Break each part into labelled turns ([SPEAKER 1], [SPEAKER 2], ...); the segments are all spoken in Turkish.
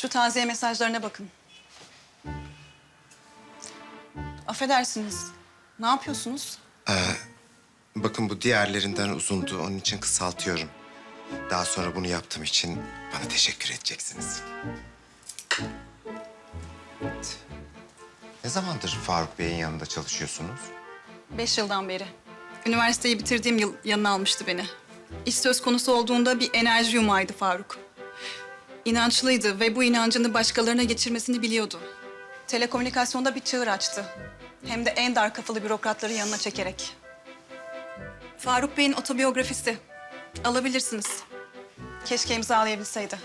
[SPEAKER 1] Şu taziye mesajlarına bakın. Affedersiniz. Ne yapıyorsunuz?
[SPEAKER 2] Bakın bu diğerlerinden uzundu. Onun için kısaltıyorum. Daha sonra bunu yaptığım için bana teşekkür edeceksiniz. Evet. Ne zamandır Faruk Bey'in yanında çalışıyorsunuz?
[SPEAKER 1] 5 yıldan beri. Üniversiteyi bitirdiğim yıl yanına almıştı beni. İş söz konusu olduğunda bir enerji yumağıydı Faruk. İnançlıydı ve bu inancını başkalarına geçirmesini biliyordu. Telekomünikasyonda bir çığır açtı. Hem de en dar kafalı bürokratları yanına çekerek. Faruk Bey'in otobiyografisi. Alabilirsiniz. Keşke imzalayabilseydi.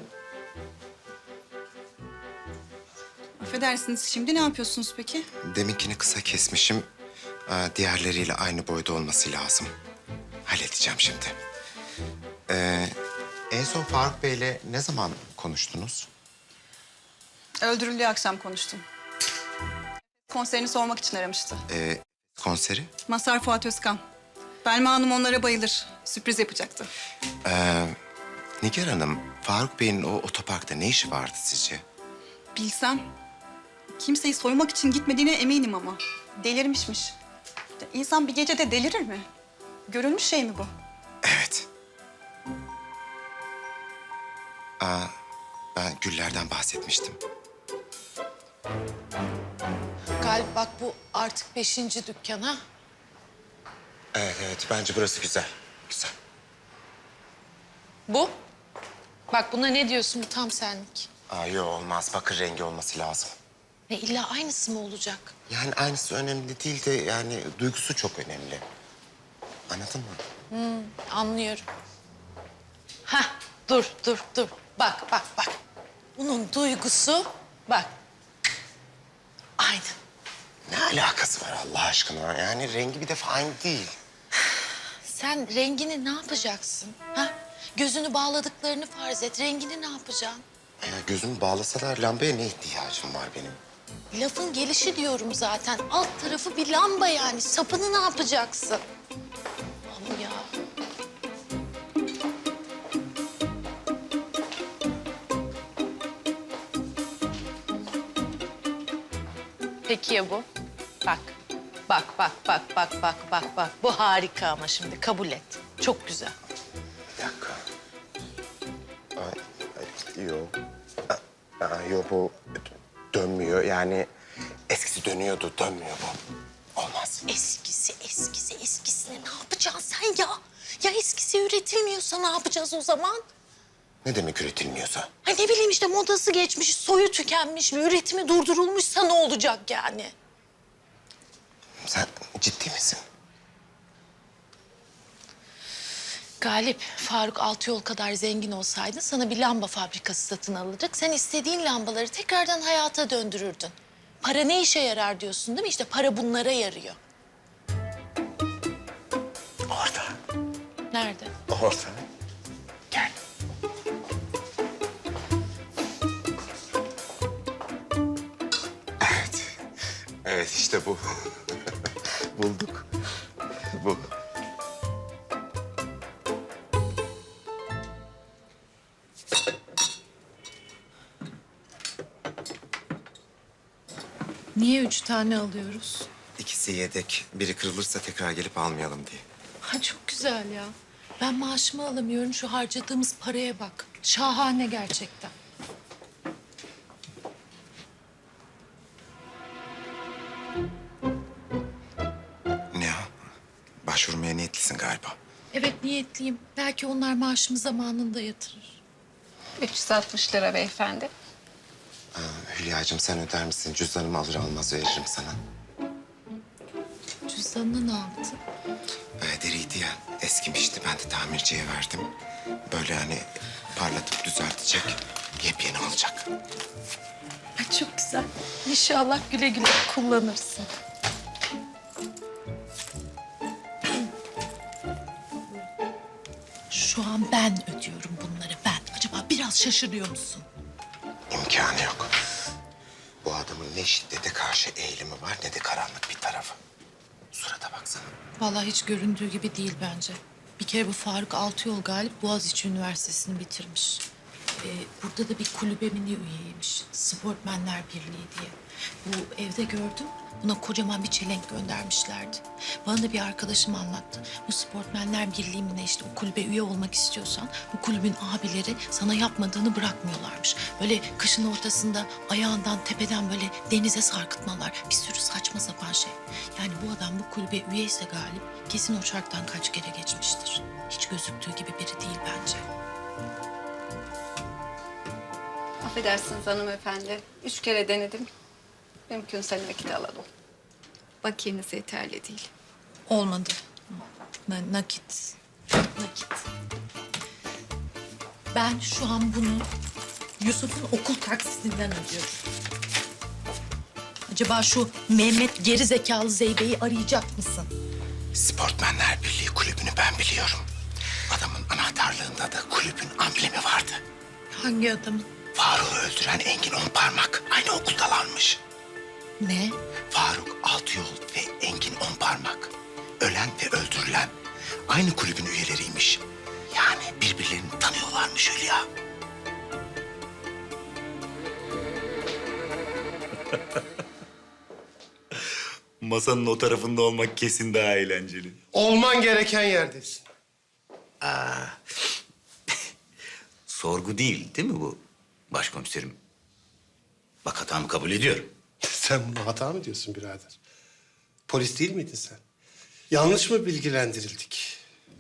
[SPEAKER 1] Affedersiniz, şimdi ne yapıyorsunuz peki?
[SPEAKER 2] Deminkini kısa kesmişim. Diğerleriyle aynı boyda olması lazım. Halledeceğim şimdi. En son Faruk Bey'le ne zaman konuştunuz?
[SPEAKER 1] Öldürüldüğü akşam konuştum. Konserini sormak için aramıştı.
[SPEAKER 2] Konseri?
[SPEAKER 1] Mazhar Fuat Özkan. Belma Hanım onlara bayılır. Sürpriz yapacaktı.
[SPEAKER 2] Nigar Hanım, Faruk Bey'in o otoparkta ne işi vardı sizce?
[SPEAKER 1] Bilsem. Kimseyi soymak için gitmediğine eminim ama. Delirmişmiş. Ya İnsan bir gecede delirir mi? Görülmüş şey mi bu?
[SPEAKER 2] Evet. Ben Güller'den bahsetmiştim.
[SPEAKER 3] Galip bak bu artık 5. dükkan ha.
[SPEAKER 2] Evet, bence burası güzel. Güzel.
[SPEAKER 3] Bu? Bak buna ne diyorsun, bu tam senlik.
[SPEAKER 2] Yok olmaz, bakır rengi olması lazım.
[SPEAKER 3] Ne illa aynısı mı olacak?
[SPEAKER 2] Yani aynısı önemli değil de yani duygusu çok önemli. Anladın mı?
[SPEAKER 3] Anlıyorum. Hah, dur. Bak. Bunun duygusu, bak. Aynı.
[SPEAKER 2] Ne alakası var Allah aşkına? Yani rengi bir defa aynı değil.
[SPEAKER 3] Sen rengini ne yapacaksın? Ha? Gözünü bağladıklarını farz et. Rengini ne yapacaksın?
[SPEAKER 2] Gözümü bağlasalar lambaya ne ihtiyacım var benim?
[SPEAKER 3] Lafın gelişi diyorum zaten. Alt tarafı bir lamba yani. Sapını ne yapacaksın? Ama ya. Peki ya bu? Bak. Bak. Bu harika ama şimdi kabul et. Çok güzel.
[SPEAKER 2] Bir dakika. Yok. Yok bu dönmüyor. Yani eskisi dönüyordu, dönmüyor bu. Olmaz.
[SPEAKER 3] Eskisine ne yapacaksın sen ya? Ya eskisi üretilmiyorsa ne yapacağız o zaman?
[SPEAKER 2] Ne demek üretilmiyorsa?
[SPEAKER 3] Ha ne bileyim işte modası geçmiş, soyu tükenmiş, üretimi durdurulmuşsa ne olacak yani?
[SPEAKER 2] Sen ciddi misin?
[SPEAKER 3] Galip, Faruk Altıyol kadar zengin olsaydı sana bir lamba fabrikası satın alacak. Sen istediğin lambaları tekrardan hayata döndürürdün. Para ne işe yarar diyorsun değil mi? İşte para bunlara yarıyor.
[SPEAKER 2] Orada.
[SPEAKER 3] Nerede?
[SPEAKER 2] Orada. Gel. Evet. Evet işte bu. Bulduk. Bu.
[SPEAKER 3] Niye 3 tane alıyoruz?
[SPEAKER 2] İkisi yedek. Biri kırılırsa tekrar gelip almayalım diye.
[SPEAKER 3] Ha çok güzel ya. Ben maaşımı alamıyorum. Şu harcadığımız paraya bak. Şahane gerçekten.
[SPEAKER 2] Ne o? Başvurmaya niyetlisin galiba.
[SPEAKER 3] Evet niyetliyim. Belki onlar maaşımı zamanında yatırır.
[SPEAKER 4] 360 lira beyefendi.
[SPEAKER 2] Hülya'cığım sen öder misin? Cüzdanımı alır almaz veririm sana.
[SPEAKER 3] Cüzdanını ne yaptın?
[SPEAKER 2] Deriydi ya, eskimişti. Ben de tamirciye verdim. Böyle hani parlatıp düzeltecek, yepyeni olacak.
[SPEAKER 3] Ay çok güzel. İnşallah güle güle kullanırsın. Şu an ben ödüyorum bunları ben. Acaba biraz şaşırıyor musun?
[SPEAKER 2] İmkanı yok. Bu adamın ne şiddete karşı eğilimi var ne de karanlık bir tarafı. Surata baksana.
[SPEAKER 3] Vallahi hiç göründüğü gibi değil bence. Bir kere bu Faruk Altıyol Galip Boğaziçi Üniversitesi'ni bitirmiş. Burada da bir kulübemin üyeymiş. Sportmenler Birliği diye. Bu evde gördüm. Buna kocaman bir çelenk göndermişlerdi. Bana da bir arkadaşım anlattı. Bu Sportmenler Birliği'ne işte o kulübe üye olmak istiyorsan... ...bu kulübün abileri sana yapmadığını bırakmıyorlarmış. Böyle kışın ortasında ayağından tepeden böyle denize sarkıtmalar. Bir sürü saçma sapan şey. Yani bu adam bu kulübe üyeyse Galip... ...kesin o çarktan kaç kere geçmiştir. Hiç gözüktüğü gibi biri değil bence.
[SPEAKER 4] Affedersiniz hanımefendi. 3 kere denedim. Mümkünse nakit alalım. Bakiyeniz yeterli değil.
[SPEAKER 3] Olmadı. Nakit. Nakit. Ben şu an bunu Yusuf'un okul taksisinden ödüyorum. Acaba şu Mehmet geri zekalı Zeybe'yi arayacak mısın?
[SPEAKER 2] Sportmenler Birliği kulübünü ben biliyorum. Adamın anahtarlığında da kulübün amblemi vardı.
[SPEAKER 3] Hangi adamın?
[SPEAKER 2] Faruk'u öldüren Engin Onparmak aynı okuldalarmış.
[SPEAKER 3] Ne?
[SPEAKER 2] Faruk Altıyol ve Engin Onparmak. Ölen ve öldürülen aynı kulübün üyeleriymiş. Yani birbirlerini tanıyorlarmış Hülya.
[SPEAKER 5] Masanın o tarafında olmak kesin daha eğlenceli.
[SPEAKER 6] Olman gereken yerdesin.
[SPEAKER 5] Sorgu değil mi bu başkomiserim? Bak hatamı kabul ediyorum.
[SPEAKER 6] Sen buna hata mı diyorsun birader? Polis değil miydin sen? Yanlış mı bilgilendirildik?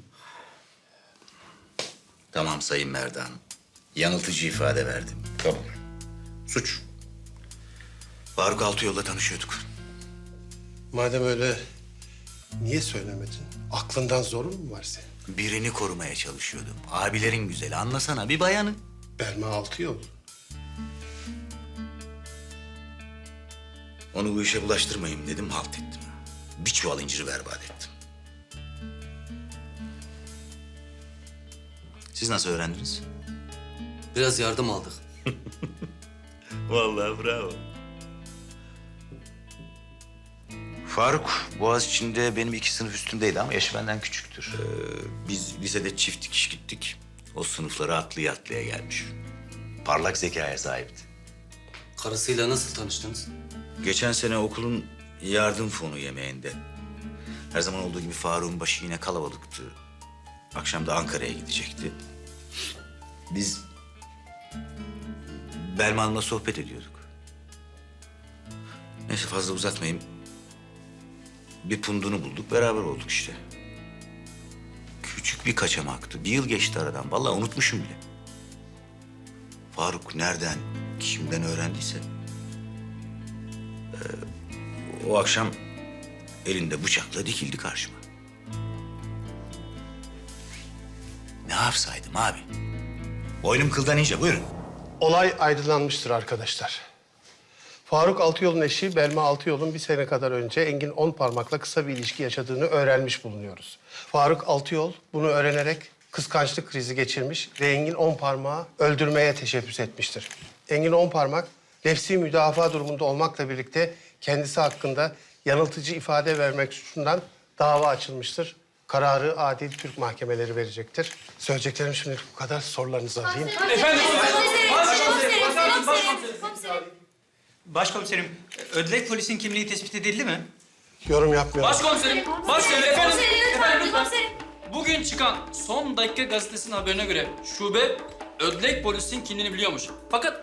[SPEAKER 5] Tamam Sayın Merdan. Yanıltıcı ifade verdim. Kabul. Suç. Faruk Altıyol'la tanışıyorduk.
[SPEAKER 6] Madem öyle niye söylemedin? Aklından zorun mu var senin?
[SPEAKER 5] Birini korumaya çalışıyordum. Abilerin güzeli. Anlasana bir bayanı.
[SPEAKER 6] Belma Altıyol.
[SPEAKER 5] Onu bu işe bulaştırmayayım dedim, halt ettim. Bir çuval inciri berbat ettim. Siz nasıl öğrendiniz?
[SPEAKER 7] Biraz yardım aldık.
[SPEAKER 5] Vallahi bravo. Faruk Boğaziçi'nde benim 2 sınıf üstümdeydi ama yaşı benden küçüktür. Biz lisede çift dikiş gittik. O sınıflara atlaya atlaya gelmiş. Parlak zekaya sahipti.
[SPEAKER 7] Karısıyla nasıl tanıştınız?
[SPEAKER 5] Geçen sene okulun yardım fonu yemeğinde. Her zaman olduğu gibi Faruk'un başı yine kalabalıktı. Akşam da Ankara'ya gidecekti. Biz Belma Hanım'la sohbet ediyorduk. Neyse fazla uzatmayayım. Bir pundunu bulduk, beraber olduk işte. Küçük bir kaçamaktı. 1 yıl geçti aradan. Vallahi unutmuşum bile. Faruk nereden, kimden öğrendiyse... o akşam elinde bıçakla dikildi karşıma. Ne yapsaydım abi? Boynum kıldan ince, buyurun.
[SPEAKER 6] Olay aydınlanmıştır arkadaşlar. Faruk Altıyol'un eşi Belma Altıyol'un bir sene kadar önce Engin Onparmak'la kısa bir ilişki yaşadığını öğrenmiş bulunuyoruz. Faruk Altıyol bunu öğrenerek kıskançlık krizi geçirmiş ve Engin Onparmak'ı öldürmeye teşebbüs etmiştir. Engin Onparmak nefsi müdafaa durumunda olmakla birlikte kendisi hakkında yanıltıcı ifade vermek suçundan dava açılmıştır. Kararı adil Türk mahkemeleri verecektir. Söyleyeceklerim şimdilik bu kadar. Sorularınızı alayım.
[SPEAKER 8] Başkomiserim, ödlek polisin kimliği tespit edildi mi?
[SPEAKER 6] Yorum yapmıyorum.
[SPEAKER 8] Başkomiserim, başkomiserim, efendim, efendim lütfen.
[SPEAKER 9] Komiserim.
[SPEAKER 8] Bugün çıkan Son Dakika gazetesinin haberine göre şube ödlek polisin kimliğini biliyormuş. Fakat